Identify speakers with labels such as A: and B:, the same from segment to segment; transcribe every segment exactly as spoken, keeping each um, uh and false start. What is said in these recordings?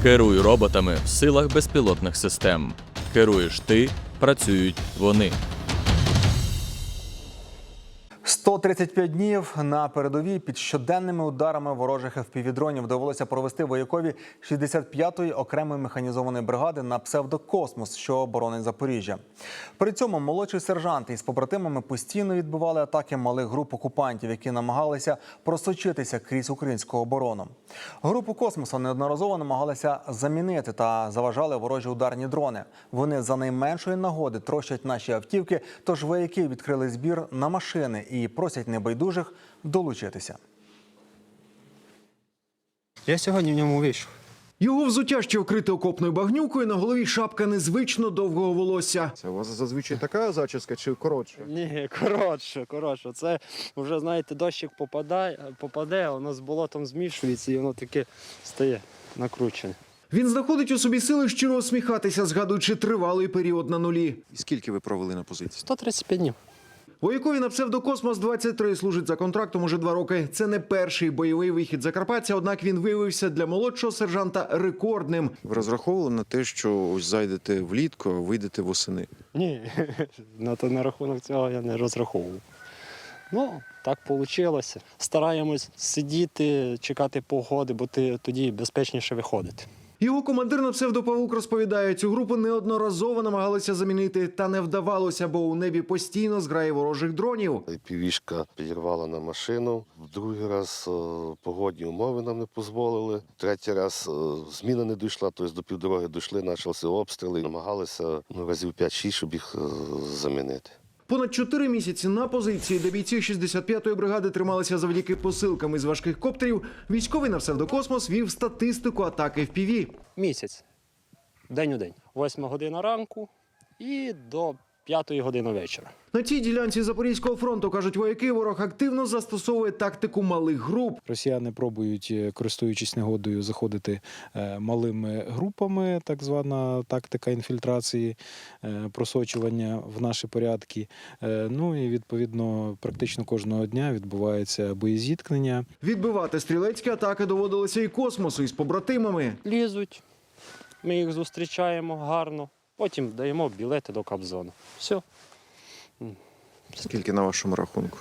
A: Керуй роботами в силах безпілотних систем. Керуєш ти, працюють вони.
B: сто тридцять п'ять днів на передовій під щоденними ударами ворожих еф пі ві-дронів довелося провести воякові шістдесят п'ятої окремої механізованої бригади на псевдокосмос, що оборонить Запоріжжя. При цьому молодший сержант із побратимами постійно відбивали атаки малих груп окупантів, які намагалися просочитися крізь українську оборону. Групу космосу неодноразово намагалися замінити та заважали ворожі ударні дрони. Вони за найменшої нагоди трощать наші автівки, тож вояки відкрили збір на машини і просять небайдужих долучитися.
C: Я сьогодні в ньому вийшов.
D: Його взуття ще вкрите окопною багнюкою, на голові шапка незвично довгого волосся.
E: Це у вас зазвичай така зачіска чи коротша?
C: Ні, коротше, коротше. Це вже, знаєте, дощик попадає, попаде, воно з болотом змішується і воно таке стає накручене.
D: Він знаходить у собі сили щиро усміхатися, згадуючи тривалий період на нулі.
E: І скільки ви провели на позиції?
C: сто тридцять п'ять днів.
D: Воякові на псевдокосмос двадцять три служить за контрактом уже два роки. Це не перший бойовий вихід закарпатця, однак він виявився для молодшого сержанта рекордним.
E: Ви розраховували на те, що ось зайдете влітку, а вийдете восени?
C: Ні, на, то, на рахунок цього я не розраховував. Ну, так вийшло. Стараємось сидіти, чекати погоди, бо ти тоді безпечніше виходити.
D: Його командир на псевдопавук розповідає, цю групу неодноразово намагалися замінити, та не вдавалося, бо у небі постійно зграє ворожих дронів.
F: Півішка підірвала на машину, в другий раз о, погодні умови нам не дозволили, третій раз о, зміна не дійшла, тобто до півдороги дійшли, почалися обстріли, намагалися ну, разів п'ять-шість, щоб їх о, замінити.
D: Понад чотири місяці на позиції, де бійці шістдесят п'ятої бригади трималися завдяки посилкам із важких коптерів, військовий на псевдокосмос вів статистику атак еф пі ві.
C: Місяць, день у день. Восьма година ранку і до п'ятої години вечора.
D: На цій ділянці Запорізького фронту, кажуть вояки, ворог активно застосовує тактику малих груп.
G: Росіяни пробують, користуючись негодою, заходити малими групами, так звана тактика інфільтрації, просочування в наші порядки. Ну і, відповідно, практично кожного дня відбувається боєзіткнення.
D: Відбивати стрілецькі атаки доводилося і космосу із побратимами.
C: Лізуть, ми їх зустрічаємо гарно, потім даємо білети до Кабзону. Все.
E: Скільки на вашому рахунку?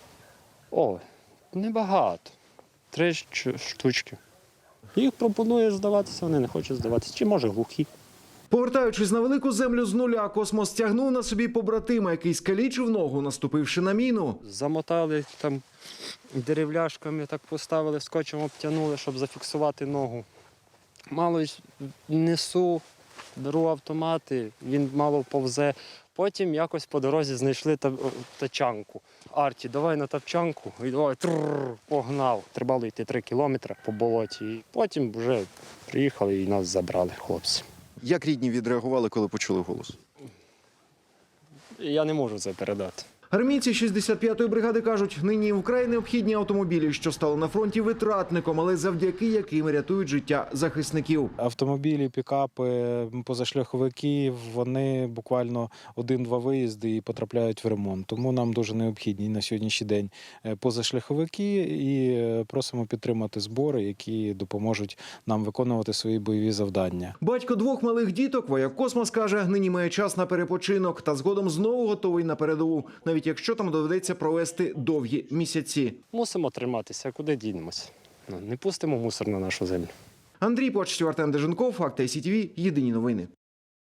C: О, небагато. Три штучки. Їх пропонує здаватися, вони не хочуть здаватися. Чи може глухі.
D: Повертаючись на велику землю з нуля, космос тягнув на собі побратима, який скалічив ногу, наступивши на міну.
C: Замотали там деревляшками, так поставили, скотчем обтянули, щоб зафіксувати ногу. Мало несу, беру автомати, він мало повзе. Потім якось по дорозі знайшли тачанку. Арті, давай на тачанку, і давай трррр, погнав. Треба було йти три кілометри по болоті. І потім вже приїхали і нас забрали хлопці.
E: Як рідні відреагували, коли почули голос?
C: Я не можу це передати.
D: Армійці шістдесят п'ятої бригади кажуть, нині вкрай необхідні автомобілі, що стали на фронті витратником, але завдяки яким рятують життя захисників.
G: Автомобілі, пікапи, позашляховики, вони буквально один-два виїзди і потрапляють в ремонт. Тому нам дуже необхідні на сьогоднішній день позашляховики і просимо підтримати збори, які допоможуть нам виконувати свої бойові завдання.
D: Батько двох малих діток, вояк космос, каже, нині має час на перепочинок та згодом знову готовий на передову, навіть якщо там доведеться провести довгі місяці.
C: Мусимо триматися, куди дінемося. Не пустимо мусор на нашу землю.
D: Андрій Почтів, Артем Деженков, Факти ай сі ті ві, єдині новини.